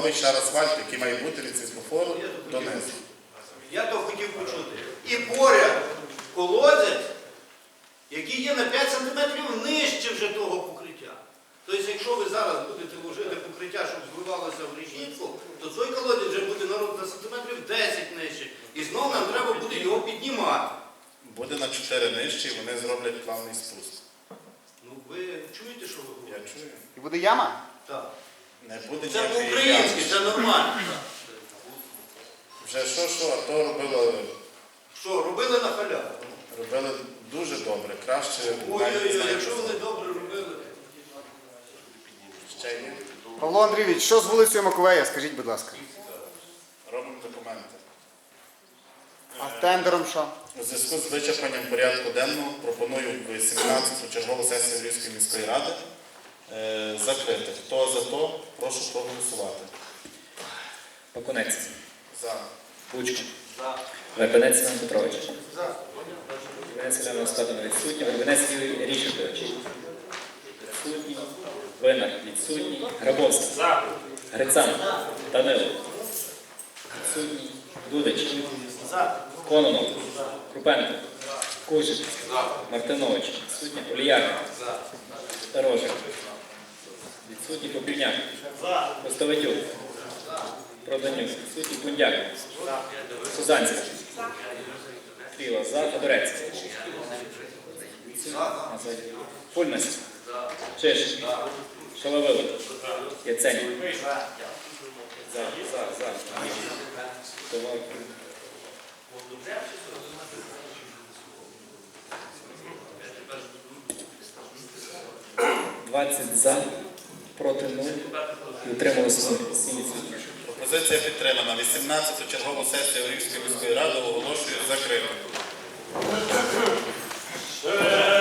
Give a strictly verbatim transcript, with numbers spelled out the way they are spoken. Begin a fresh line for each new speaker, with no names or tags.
новий шар асфальту, який має бути від світлофору донизу.
Я то хотів почути. І поряд колодязь, який є на п'ять сантиметрів нижче вже того покриття. Тобто, якщо ви зараз будете вложити покриття, щоб зливалося в річницю, то цей колодязь вже буде на сантиметрів десять нижче. І знову нам треба буде його піднімати.
Буде на чотири нижче, і вони зроблять плавний спуск.
Ну, ви чуєте, що ви
Я
говорите?
чую.
І буде яма?
Так.
Не буде
Це
ніякої
по-українськи,
ями.
це нормально.
Вже що, що, а то робили,
Що, робили на халяву?
робили дуже добре, краще. навіть не
Ой-ой-ой,
знаю,
якщо
що
вони добре робили.
ще є.
Павло Андрійович, що з вулицею Маковея, скажіть, будь ласка.
Робимо документи.
А тендером що?
У зв'язку з вичерпанням порядку денного пропоную в сімнадцяту чергову сесію Львівської міської ради е, закрити. Хто за то, прошу проголосувати.
Окунець.
За.
Пучко.
За.
Вербенець Іван Петрович.
За.
Вербенець Іван Остапович відсутній. Вербенець Юрій Рішатович. Відсутній. Винар відсутній. Грабовський.
За.
Грицан. Данило. Відсутній. Дудич.
За.
Кононов. Крупенко. Кужик. Мартинович. Відсутній. Оліяк. Сторожик. Відсутній. Попільняк. Костовитюк. Проданюк. Відсутній. Бундяк. Сузанська. Кріла. За. Федорець. Фульнес. Чиш. Шаловило. Яцень. За. За. За. Товар. двадцять за, проти нуль. І утрималося сім відсотків.
Пропозиція підтримана. вісімнадцяту чергову сесію Львівської міської ради оголошую закритою.